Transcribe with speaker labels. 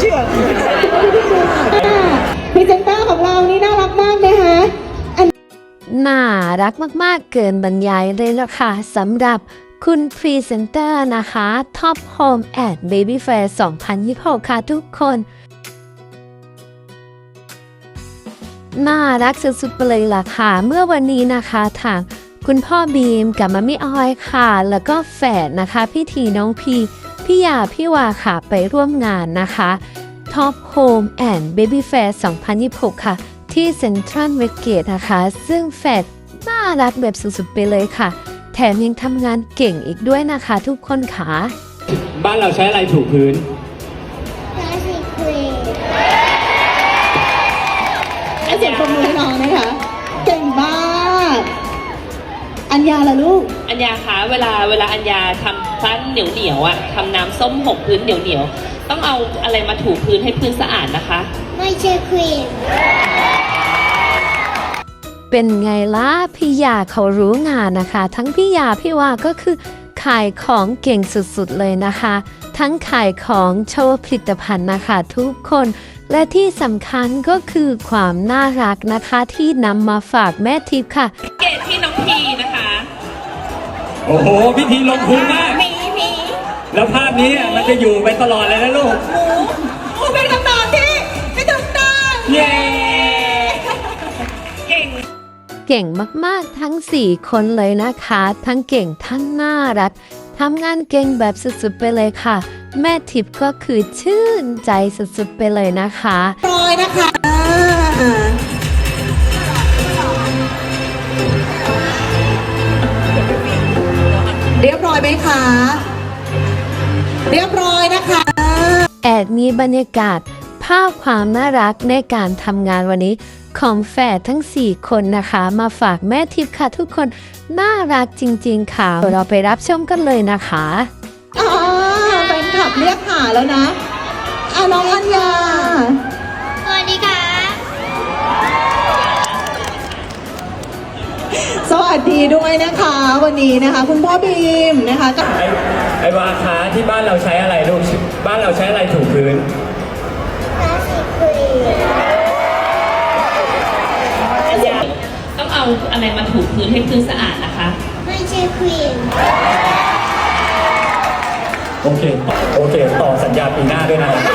Speaker 1: เชื่อ
Speaker 2: พรีเซนเตอร์ของเรานี่น่ารักมากนะคะ
Speaker 3: น่ารักมากๆเกินบรรยายเลยล่ะค่ะสำหรับคุณพรีเซนเตอร์นะคะ Top Home at Baby Fair 2026 ค่ะทุกคนน่ารักสุดๆไปเลยล่ะค่ะเมื่อวันนี้นะคะทางคุณพ่อบีมกับมัมมี่ออยค่ะแล้วก็แฝดนะคะพี่ทีน้องพี่ยาพี่วาค่ะไปร่วมงานนะคะ Top Home and Baby Fair 2026 ค่ะที่เซ็นทรัลเวสเกตนะคะซึ่งแฝดน่ารักแบบสุดๆไปเลยค่ะแถมยังทำงานเก่งอีกด้วยนะคะทุกคนค่ะ
Speaker 4: บ้านเราใช้อะไรถูพื้น
Speaker 2: ให้เสียงปรบมือให้น้องนะคะเก่งมากอัญญาล่ะลูก
Speaker 1: อัญญาคะเวลาอัญญาทำปั้นเหนียวอ่ะทำน้ำส้มหกพื้นเหนียวต้องเอาอะไรมาถูพื้นให้พื้นสะอาดนะคะ
Speaker 5: ไม่ใช่ครีม
Speaker 3: เป็นไงล่ะพี่ยาเขารู้งานนะคะทั้งพี่ยาพี่วาก็คือขายของเก่งสุดๆเลยนะคะทั้งขายของโชว์ผลิตภัณฑ์นะคะทุกคนและที่สำคัญก็คือความน่ารักนะคะที่นำมาฝากแม่ทิพย์ค่ะ
Speaker 1: เกตที่น้องพีนะคะ
Speaker 4: โอ้โหพิธีลงทุนมากแล้วภาพนี้มันจะอยู่ไปตลอดเลยนะลูก
Speaker 2: หมูเป็นคำตอบที่ไม่ถูกต้อง
Speaker 4: เย้
Speaker 3: เก่งมากๆทั้ง4คนเลยนะคะทั้งเก่งทั้งน่ารักทำงานเก่งแบบสุดๆไปเลยค่ะแม่ทิพย์ก็คือชื่นใจสุดๆไปเลยนะคะ
Speaker 2: ร้อยนะคะเรียบร้อยไหมคะเรียบร้อยนะคะ
Speaker 3: แอบมีบรรยากาศภาพความน่ารักในการทำงานวันนี้ของแฝดทั้ง4คนนะคะมาฝากแม่ทิพย์ค่ะทุกคนน่ารักจริงๆค่ะเราไปรับชมกันเลยนะคะ
Speaker 2: แฟนคลับเรียกหาแล้วนะน้องอัญญา
Speaker 5: สวัสดีค่ะ
Speaker 2: สวัสดีด้วยนะคะวันนี้นะคะคุณพ่อบีมนะคะ
Speaker 4: ไอ้วาขาที่บ้านเราใช้อะไรลูกบ้านเราใช้อะไรถูพื้น
Speaker 1: ต้องเอาอะไรมาถูพื้นให้พื้นสะอาดนะคะ
Speaker 5: ไม่ใช่ครีม
Speaker 4: โอเคต่อสัญญาปีหน้าด้วยนะ